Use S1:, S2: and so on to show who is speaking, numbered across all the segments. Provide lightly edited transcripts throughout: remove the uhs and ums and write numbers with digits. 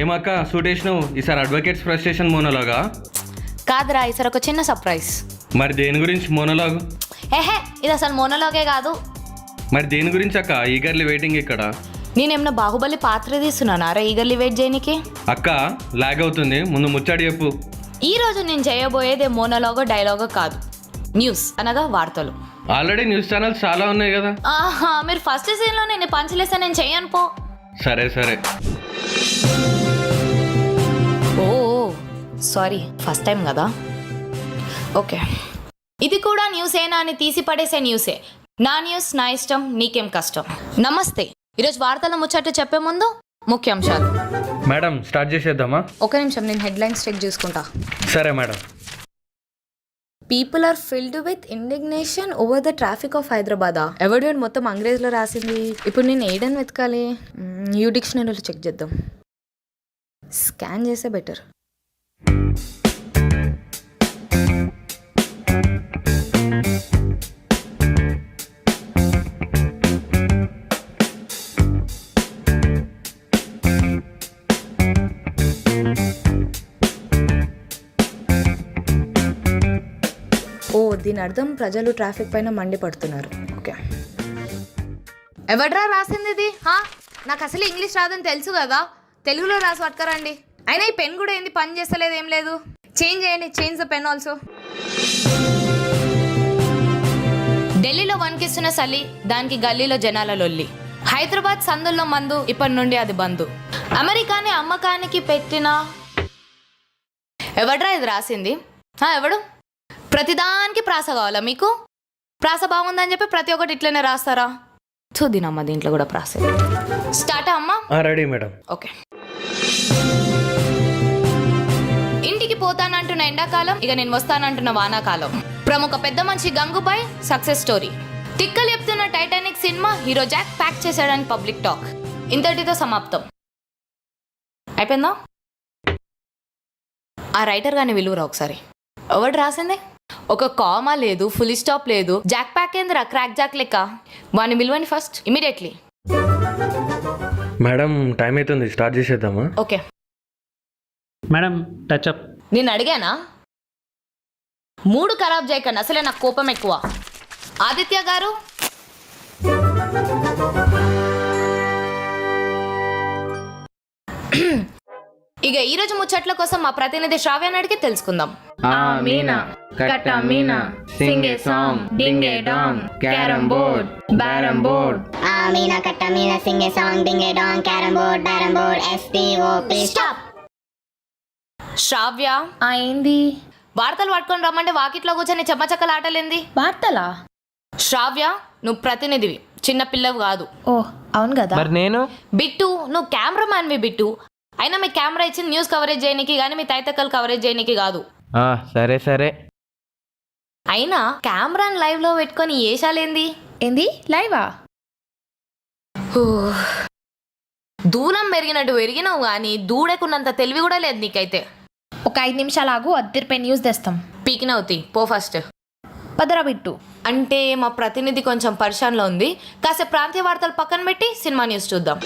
S1: ఏమక్క suit వేసినావు ఈసారి advocates frustration మోనోలాగా?
S2: కాదురా, ఈసారి ఒక చిన్న సర్ప్రైజ్.
S1: మరి దేని గురించి మోనోలాగ్?
S2: ఏహే, ఇది అసలు మోనోలాగే కాదు.
S1: మరి దేని గురించి అక్క? ఈగర్లీ వెయిటింగ్ ఇక్కడ.
S2: నేనేమన్నా బాహుబలి పాత్ర తీస్తున్నానా రా ఈగర్లీ వెయిట్ చేయనికి?
S1: అక్క లాగ్ అవుతుంది, ముందు ముచ్చడి చెప్పు.
S2: ఈ రోజు నేను చేయబోయేదే మోనోలాగో డైలాగో కాదు, న్యూస్ అనగా వార్తలు.
S1: ఆల్రెడీ న్యూస్ ఛానల్స్ చాలా ఉన్నాయి కదా.
S2: ఆహా, మీరు ఫస్ట్ సీన్లో నేను పంచలేసా, నేను చెయ్యను పో.
S1: సరే సరే.
S2: ఓ సారీ, ఫస్ట్ టైం కదా. ఓకే, ఇది కూడా న్యూసేనా అని తీసి పడేసే న్యూసే. నా న్యూస్ నా ఇష్టం, నీకేం కష్టం. నమస్తే, ఈరోజు వార్తల ముచ్చట చెప్పే ముందు ముఖ్యాంశాలు.
S1: మేడం స్టార్ట్ చేసేద్దామా?
S2: ఒక నిమిషం, నేను హెడ్లైన్స్ చెక్ చేసుకుంటా.
S1: సరే madam.
S2: People are filled with indignation over the traffic of Hyderabad. ఎవడు మొత్తం అంగ్రేజ్లో రాసింది. ఇప్పుడు నేను ఏడని వెతకాలి? యూ డిక్షనరీలో చెక్ చేద్దాం. స్కాన్ చేస్తే బెటర్. ఓ, దీని అర్థం ప్రజలు ట్రాఫిక్ పైన మండిపడుతున్నారు. ఓకే, ఎవడ్రా రాసింది ఇది? నాకు అసలు ఇంగ్లీష్ రాదని తెలుసు కదా, తెలుగులో రాసి పట్టుకరండి. అయినా ఈ పెన్ కూడా ఏంది పని చేస్తలేదు, ఏం లేదు. చేంజ్ చేయండి, చేంజ్ ద పెన్ ఆల్సో. ఢిల్లీలో వణికిస్తున్న చలి, దానికి గల్లీలో జనాల లొల్లి. హైదరాబాద్ సందుల్లో మందు, ఇప్పటి నుండి అది బందు. అమెరికాని అమ్మకానికి పెట్టిన ఎవడ్రా ఇది రాసింది? ఎవడు? ప్రతిదానికి ప్రాస కావాలా మీకు? ప్రాస బాగుందని చెప్పి ప్రతి ఒక్కటి ఇట్లనే రాస్తారా? చూదినమ్మా, దీంట్లో కూడా ప్రాస. స్టార్ట్ అమ్మా?
S1: Ready madam.
S2: ఓకే. ఇంటికి పోతానంటున్న ఎండాకాలం, ఇక నేను వస్తానంటున్న వానాకాలం. ప్రముఖ పెద్ద మనిషి గంగుబాయ్ సక్సెస్ స్టోరీ. తిక్కలు చెప్తున్న Titanic cinema hero Jack pack చేశాడని పబ్లిక్ టాక్. ఇంతటితో సమాప్తం. అయిపోయిందా? ఆ రైటర్ గాని విలువరా ఒకసారి. ఎవడు రాసింది? ఒక కామా లేదు, ఫుల్ స్టాప్ లేదు. జాక్ ప్యాక్ ఏందిరా, క్రాక్ జాక్ లెక్క. వాని విలువని ఫస్ట్ ఇమీడియట్లీ.
S1: మేడం టైం అవుతుంది, స్టార్ట్ చేసేద్దామా?
S2: Okay
S3: madam touch up.
S2: నేను అడిగానా? మూడు ఖరాబ్ చేయకండి, అసలే నాకు కోపం ఎక్కువ. ఆదిత్య గారు, ఇక ఈ రోజు ముచ్చట్ల కోసం మా ప్రతినిధి శ్రావ్యాన్ని అడిగి తెలుసుకుందాం.
S4: మీనా కట్ట మీనా sing a song ding a dong carrom board బ్యారమ్ బోర్డ్.
S5: మీనా కట్ట మీనా sing a song ding a dong carrom board బ్యారమ్ బోర్డ్ STOP.
S2: స్టాప్. శ్రావ్య,
S4: ఏంది?
S2: వార్తలు పట్టుకొని రమ్మంటే వాకిట్లో కూర్చొని చెమ్మచక్కలు ఆటలేంది?
S4: వార్తలా?
S2: శ్రావ్య, నువ్వు ప్రతినిధివి, చిన్న పిల్లవు కాదు.
S4: ఓ అవును కదా.
S3: మరి నేను?
S2: బిట్టు, నువ్వు కెమెరామ్యాన్వి బిట్టు. అయినా మీ కెమెరా ఇచ్చింది న్యూస్ కవరేజ్ చేయడానికి కానీ మీ తైతక్కలు కవరేజ్ చేయడానికి కాదు.
S3: సరే సరే.
S2: అయినా కెమెరాని లైవ్ లో పెట్టుకొని ఏషాలేంది?
S4: ఏంది లైవా?
S2: దూరం పెరిగినట్టు పెరిగినావు కానీ దూడకున్నంత తెలివి కూడా లేదు నీకైతే.
S4: ఒక 5 నిమిషాలు ఆగు, అద్దరిపై న్యూస్ తెస్తాం.
S2: పీకినవుతి పో ఫస్ట్.
S4: పదరా బిట్టు.
S2: అంటే మా ప్రతినిధి కొంచెం పరిశాన్లో ఉంది, కాసేపు ప్రాంతీయ వార్తలు పక్కన పెట్టి సినిమా న్యూస్ చూద్దాం.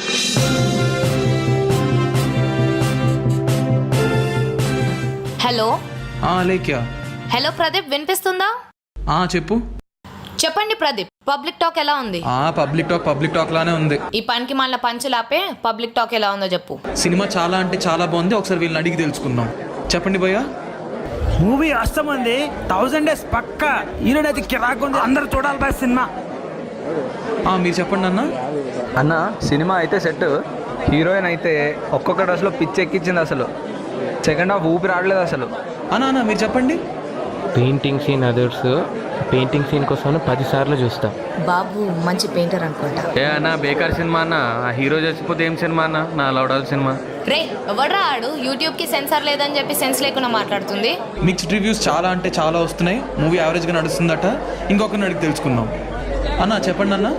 S2: హలో.
S6: లేక్యా.
S2: హలో ప్రదీప్, వినిపిస్తుందా?
S6: చెప్పు.
S2: చెప్పండి ప్రదీప్, పబ్లిక్ టాక్ ఎలా ఉంది?
S6: పబ్లిక్ టాక్ లానే ఉంది.
S2: ఈ పనికి మళ్ళీ పంచులాపే పబ్లిక్ టాక్ ఎలా ఉందో చెప్పు.
S6: సినిమా చాలా అంటే చాలా బాగుంది, ఒకసారి వీళ్ళని అడిగి తెలుసుకుందాం. చెప్పండి భయ్యా.
S7: మూవీ అస్తమంది 1000 days పక్కా. ఈరోజు కిరాకు ఉంది, అందరు చూడాలి బాయ్ సినిమా.
S6: మీరు చెప్పండి అన్న.
S8: అన్న సినిమా అయితే సెట్. హీరోయిన్ అయితే ఒక్కొక్క డ్రెస్లో పిచ్చి ఎక్కించింది, అసలు సెకండ్ హాఫ్ ఊపి రావట్లేదు అసలు.
S6: అన్న మీరు చెప్పండి.
S3: Painting scene others, painting scene కోసం 10 సార్లు చూస్తా.
S2: బాబు మంచి పెయింటర్ అనుకుంటా.
S1: అన్న బేకార్ సినిమా అన్న, ఆ హీరో చచ్చిపోతే ఏం సినిమా అన్న? నా లౌడాల్ సినిమా.
S2: రే ఎవడ్రా ఆడు యూట్యూబ్ కి సెన్సార్ లేదని చెప్పి సెన్స్ లేకుండా మాట్లాడుతుంది.
S6: మిక్స్డ్ రివ్యూస్ చాలా అంటే చాలా వస్తున్నాయి, మూవీ యావరేజ్గా నడుస్తుందట. ఇంకొకరిని అడిగి తెలుసుకుందాం. అన్న చెప్పండి అన్న.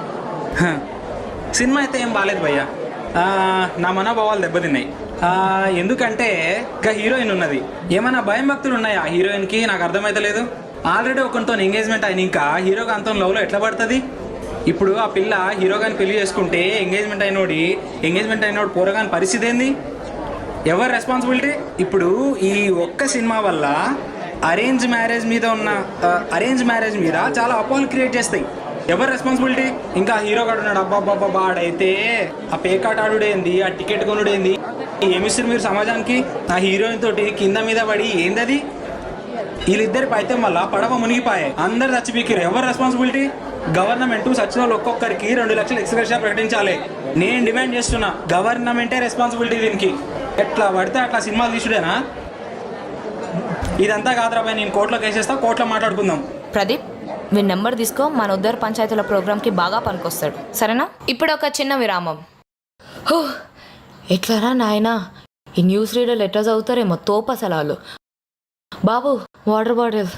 S7: సినిమా అయితే ఏం బాగాలేదు భయ్యా. నా మనోభావాలు దెబ్బతిన్నాయి. ఎందుకంటే ఇంకా హీరోయిన్ ఉన్నది, ఏమైనా భయం భక్తులు ఉన్నాయా హీరోయిన్కి? నాకు అర్థమైతే లేదు. ఆల్రెడీ ఒకరితో ఎంగేజ్మెంట్ అయిన ఇంకా హీరోగా అంత లవ్లో ఎట్లా పడుతుంది? ఇప్పుడు ఆ పిల్ల హీరోగాని పెళ్లి చేసుకుంటే ఎంగేజ్మెంట్ అయినోడు పోరగాని పరిస్థితి ఏంది? ఎవరు రెస్పాన్సిబిలిటీ? ఇప్పుడు ఈ ఒక్క సినిమా వల్ల అరేంజ్ మ్యారేజ్ మీద చాలా అపోహలు క్రియేట్ చేస్తాయి. ఎవరు రెస్పాన్సిబిలిటీ? ఇంకా హీరో గాడు ఉన్నాడు, అబ్బాబ్బాబ్బా ఆడైతే ఆ పేకాట ఆడుడేంది, ఆ టికెట్ కొనుడేంది, ఏమిస్తారు మీరు సమాజానికి? ఆ హీరోయిన్ తోటి కింద మీద పడి ఏందది? వీళ్ళిద్దరి పైత్యం వల్ల పడవ మునిగిపోయాయి, అందరు చచ్చిపోయారు. ఎవరు రెస్పాన్సిబిలిటీ? గవర్నమెంట్ సచిన వాళ్ళు ఒక్కొక్కరికి 2 లక్షలు ఎక్స్గ్రేషియా ప్రకటించాలి. నేను డిమాండ్ చేస్తున్నా, గవర్నమెంటే రెస్పాన్సిబిలిటీ దీనికి. ఎట్లా పడితే అట్లా సినిమాలు తీసుడేనా? ఇదంతా కాదురాబాయ్, నేను కోర్టులో కేసేస్తా, కోర్టులో మాట్లాడుకుందాం.
S2: ప్రదీప్, మీ నెంబర్ తీసుకో, మన ఉద్దరు పంచాయతీల ప్రోగ్రామ్కి బాగా పనికొస్తాడు, సరేనా? ఇప్పుడు ఒక చిన్న విరామం. హో, ఎట్లారా నాయనా, ఈ న్యూస్ రీడర్లు ఎట్లా చదువుతారేమో తోపసలాలు. బాబు, వాటర్ బాటిల్.